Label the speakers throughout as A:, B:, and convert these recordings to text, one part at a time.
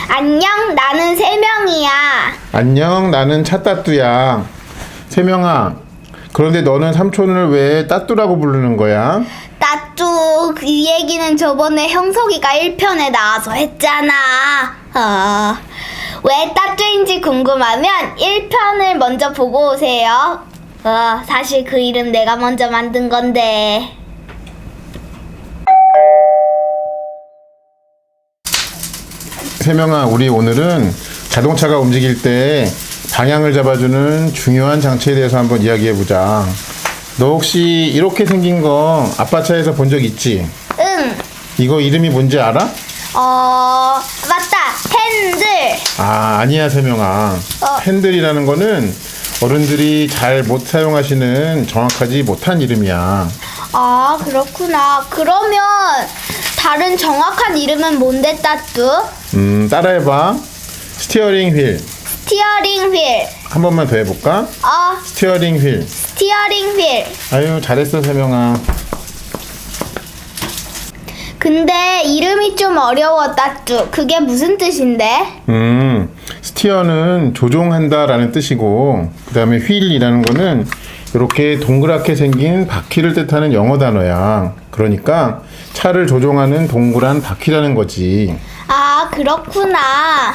A: 안녕, 나는 세명이야.
B: 안녕, 나는 차따뚜야. 세명아, 그런데 너는 삼촌을 왜 따뚜라고 부르는 거야?
A: 따뚜, 그 얘기는 저번에 형석이가 1편에 나와서 했잖아. 왜 따뚜인지 궁금하면 1편을 먼저 보고 오세요. 사실 그 이름 내가 먼저 만든 건데.
B: 세명아, 우리 오늘은 자동차가 움직일 때 방향을 잡아주는 중요한 장치에 대해서 한번 이야기해보자. 너 혹시 이렇게 생긴 거 아빠 차에서 본 적 있지?
A: 응.
B: 이거 이름이 뭔지 알아?
A: 맞다. 핸들.
B: 아니야, 세명아. 핸들이라는 거는 어른들이 잘 못 사용하시는 정확하지 못한 이름이야.
A: 그렇구나. 그러면 다른 정확한 이름은 뭔데, 따뚜?
B: 따라해봐. 스티어링 휠.
A: 스티어링 휠.
B: 한 번만 더 해볼까? 스티어링 휠.
A: 스티어링 휠.
B: 아유, 잘했어, 세명아.
A: 근데 이름이 좀 어려워, 따뚜. 그게 무슨 뜻인데?
B: 스티어는 조종한다라는 뜻이고, 그 다음에 휠이라는 거는 이렇게 동그랗게 생긴 바퀴를 뜻하는 영어 단어야. 그러니까 차를 조종하는 동그란 바퀴라는 거지.
A: 그렇구나.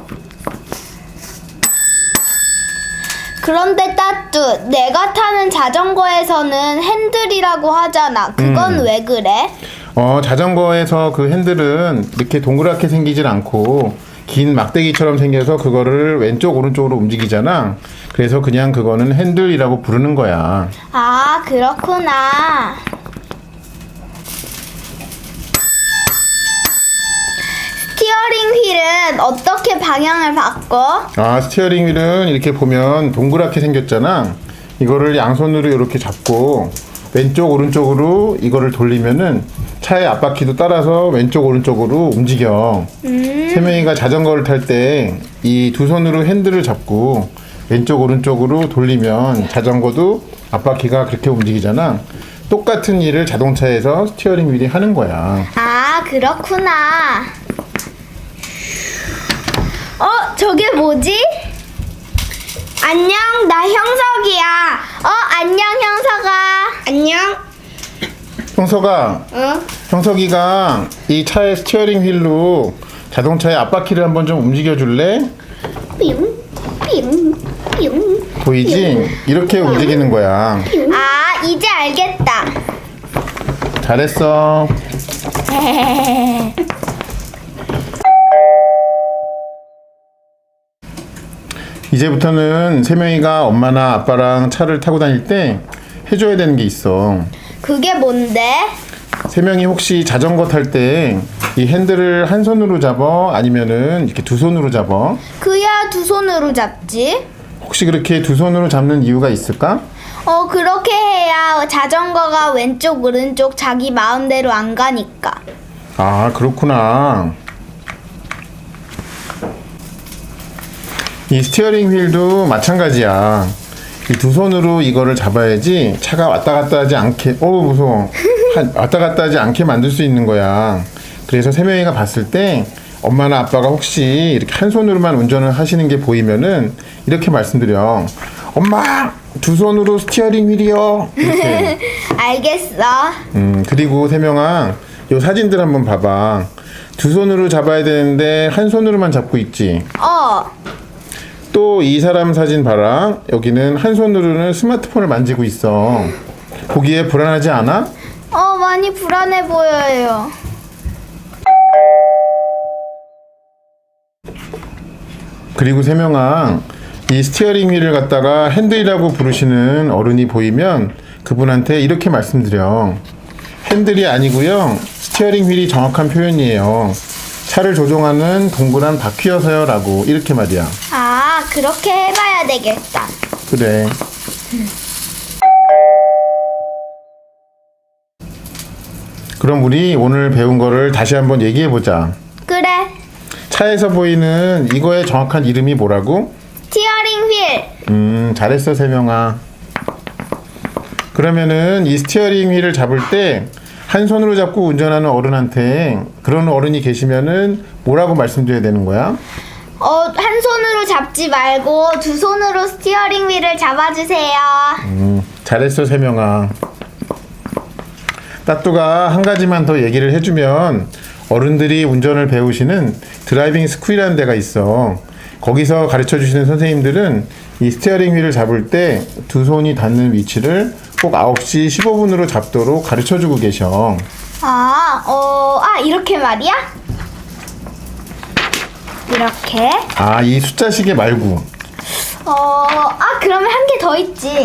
A: 그런데 따뚜, 내가 타는 자전거에서는 핸들이라고 하잖아. 그건 왜 그래?
B: 자전거에서 그 핸들은 이렇게 동그랗게 생기질 않고 긴 막대기처럼 생겨서 그거를 왼쪽 오른쪽으로 움직이잖아. 그래서 그냥 그거는 핸들이라고 부르는 거야.
A: 그렇구나. 스티어링 휠은 어떻게 방향을 바꿔?
B: 스티어링 휠은 이렇게 보면 동그랗게 생겼잖아. 이거를 양손으로 이렇게 잡고 왼쪽 오른쪽으로 이거를 돌리면은 차의 앞바퀴도 따라서 왼쪽 오른쪽으로 움직여. 세명이가 자전거를 탈 때 이 두 손으로 핸들을 잡고 왼쪽 오른쪽으로 돌리면 자전거도 앞바퀴가 그렇게 움직이잖아. 똑같은 일을 자동차에서 스티어링 휠이 하는 거야.
A: 그렇구나. 저게 뭐지? 안녕, 나 형석이야. 안녕, 형석아. 안녕.
B: 형석아, 형석이가 이 차의 스티어링 휠로 자동차의 앞바퀴를 한번 좀 움직여 줄래?
A: 뿅, 뿅, 뿅.
B: 보이지? 이렇게 움직이는 거야.
A: 이제 알겠다.
B: 잘했어. 이제부터는 세명이가 엄마나 아빠랑 차를 타고 다닐 때 해줘야 되는 게 있어.
A: 그게 뭔데?
B: 세명이 혹시 자전거 탈 때 이 핸들을 한 손으로 잡아? 아니면은 이렇게 두 손으로 잡아?
A: 그야 두 손으로 잡지.
B: 혹시 그렇게 두 손으로 잡는 이유가 있을까?
A: 그렇게 해야 자전거가 왼쪽 오른쪽 자기 마음대로 안 가니까.
B: 그렇구나. 이 스티어링 휠도 마찬가지야. 이 두 손으로 이거를 잡아야지 차가 왔다 갔다 하지 않게, 무서워. 왔다 갔다 하지 않게 만들 수 있는 거야. 그래서 세명이가 봤을 때 엄마나 아빠가 혹시 이렇게 한 손으로만 운전을 하시는 게 보이면은 이렇게 말씀드려. 엄마! 두 손으로 스티어링 휠이요. 이렇게.
A: 알겠어.
B: 그리고 세명아, 요 사진들 한번 봐봐. 두 손으로 잡아야 되는데 한 손으로만 잡고 있지. 또 이 사람 사진 봐라. 여기는 한 손으로는 스마트폰을 만지고 있어. 보기에 불안하지 않아?
A: 많이 불안해 보여요.
B: 그리고 세명아, 이 스티어링 휠을 갖다가 핸들이라고 부르시는 어른이 보이면 그분한테 이렇게 말씀드려. 핸들이 아니고요, 스티어링 휠이 정확한 표현이에요. 차를 조종하는 동그란 바퀴여서요 라고 이렇게 말이야.
A: 그렇게 해봐야 되겠다.
B: 그래. 그럼 우리 오늘 배운 거를 다시 한번 얘기해보자.
A: 그래.
B: 차에서 보이는 이거의 정확한 이름이 뭐라고?
A: 스티어링 휠.
B: 잘했어, 세명아. 그러면은 이 스티어링 휠을 잡을 때 한 손으로 잡고 운전하는 어른한테 그런 어른이 계시면은 뭐라고 말씀드려야 되는 거야?
A: 한 손으로 잡지 말고 두 손으로 스티어링 휠을 잡아주세요.
B: 잘했어, 세명아. 따뚜가 한 가지만 더 얘기를 해주면 어른들이 운전을 배우시는 드라이빙 스쿨이라는 데가 있어. 거기서 가르쳐 주시는 선생님들은 이 스티어링 휠을 잡을 때 두 손이 닿는 위치를 꼭 9시 15분으로 잡도록 가르쳐 주고 계셔.
A: 이렇게 말이야? 이렇게.
B: 이 숫자 시계 말고.
A: 그러면 한 개 더 있지.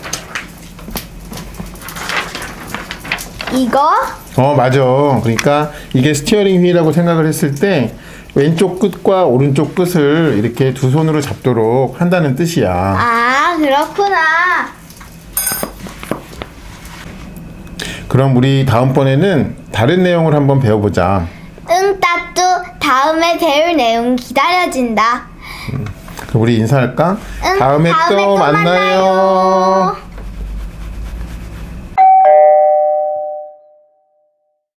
A: 이거?
B: 맞아. 그러니까 이게 스티어링 휠이라고 생각을 했을 때 왼쪽 끝과 오른쪽 끝을 이렇게 두 손으로 잡도록 한다는 뜻이야.
A: 그렇구나.
B: 그럼 우리 다음번에는 다른 내용을 한번 배워보자.
A: 응, 따뚜. 다음에 배울 내용 기다려진다.
B: 그럼 우리 인사할까?
A: 응,
B: 다음에 또 만나요.